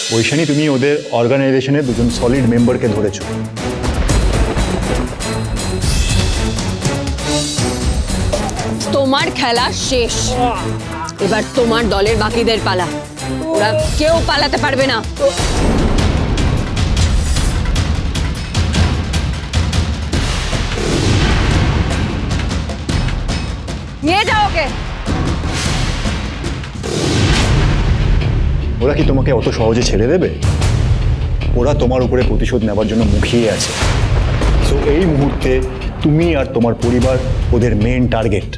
ঐশানী, তুমি ওদের অর্গানাইজেশনের দুজন সলিড মেম্বারকে ধরেছো। তোমার খেলা শেষ, এবার তোমার দলের বাকিদের পালা। ওরা কেউ পালাতে পারবে না। নিয়ে যাও ওকে। ওরা কি তোমাকে অত সহজে ছেড়ে দেবে? ওরা তোমার উপরে প্রতিশোধ নেবার জন্য মুখিয়ে আছে। তো এই মুহূর্তে তুমি আর তোমার পরিবার ওদের মেন টার্গেট।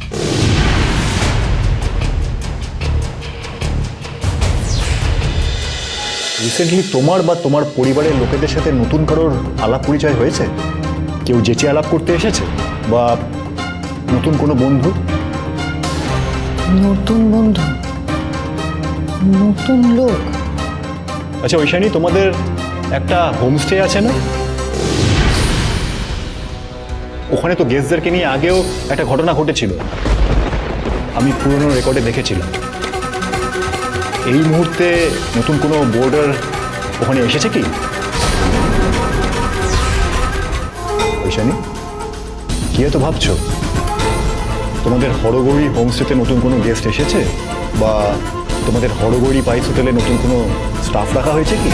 রিসেন্টলি তোমার বা তোমার পরিবারের লোকেদের সাথে নতুন কারোর আলাপ পরিচয় হয়েছে? কেউ যেচে আলাপ করতে এসেছে, বা নতুন কোনো বন্ধু? নতুন বন্ধু, নতুন লোক? আচ্ছা ঐশানী, তোমাদের একটা হোমস্টে আছে না? ওখানে তো গেস্টদেরকে নিয়ে আগেও একটা ঘটনা ঘটেছিল, আমি পুরনো রেকর্ডে দেখেছিলাম। এই মুহূর্তে নতুন কোনো বোর্ডার ওখানে এসেছে কি? ঐশানী, কি এত ভাবছো? তোমাদের হরগৌরী হোমস্টেতে নতুন কোনো গেস্ট এসেছে, বা তোমাদের হরগৌরী পাইস হোটেলে নতুন কোনো স্টাফ রাখা হয়েছে কি?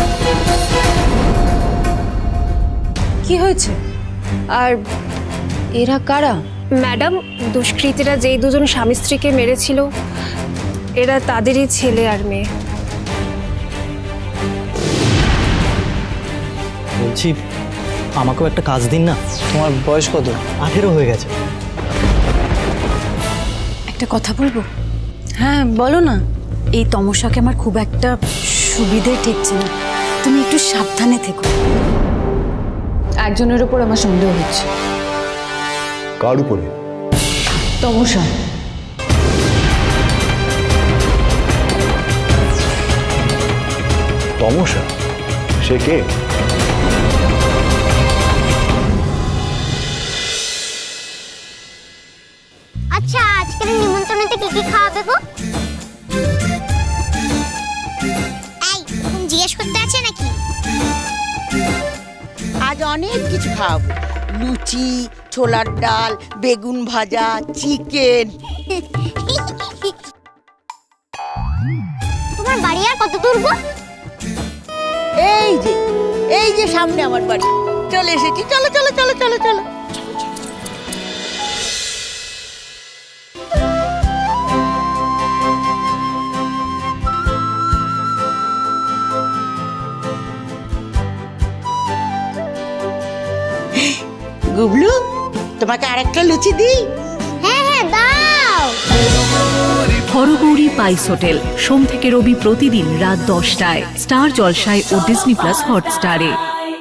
কি হয়েছে? আর এরা কারা? ম্যাডাম, দুষ্কৃতীরা যেই দুজন স্বামী স্ত্রীকে মেরেছিল, এরা তাদেরই ছেলে আর মেয়ে। বলছি, আমাকেও একটা কাজ দিন না। তোমার বয়স কত? 18 হয়ে গেছে। একটা কথা বলবো? হ্যাঁ বলো না। এই তমসাকে আমার খুব একটা সুবিধে ঠেকছে না, তুমি একটু সাবধানে থেকো। একজনের উপর আমার সন্দেহ হচ্ছে। কার উপরে? তমসা। তমসা? সে কে? আচ্ছা, আজকের নিমন্ত্রণেতে কি কি খাওয়াবে গো? এই, তুমি জিজ্ঞেস করতে আছে নাকি? আজ অনেক কিছু খাওয়াবো। লুচি, ছোলার ডাল, বেগুন ভাজা, চিকেন। তোমার বাড়ি আর কত দূর গো? এই যে সামনে আমার বাড়ি। চলে এসেছি, চলো চলো চলো চলো চলো। গুবলু, তোমাকে আরেকটা লুচি দিই? হ্যাঁ হ্যাঁ, দাও। হরগৌরী পাইস হোটেল, সোম থেকে রবি প্রতিদিন রাত 10টায় স্টার জলসায় ও ডিজনি প্লাস হটস্টারে।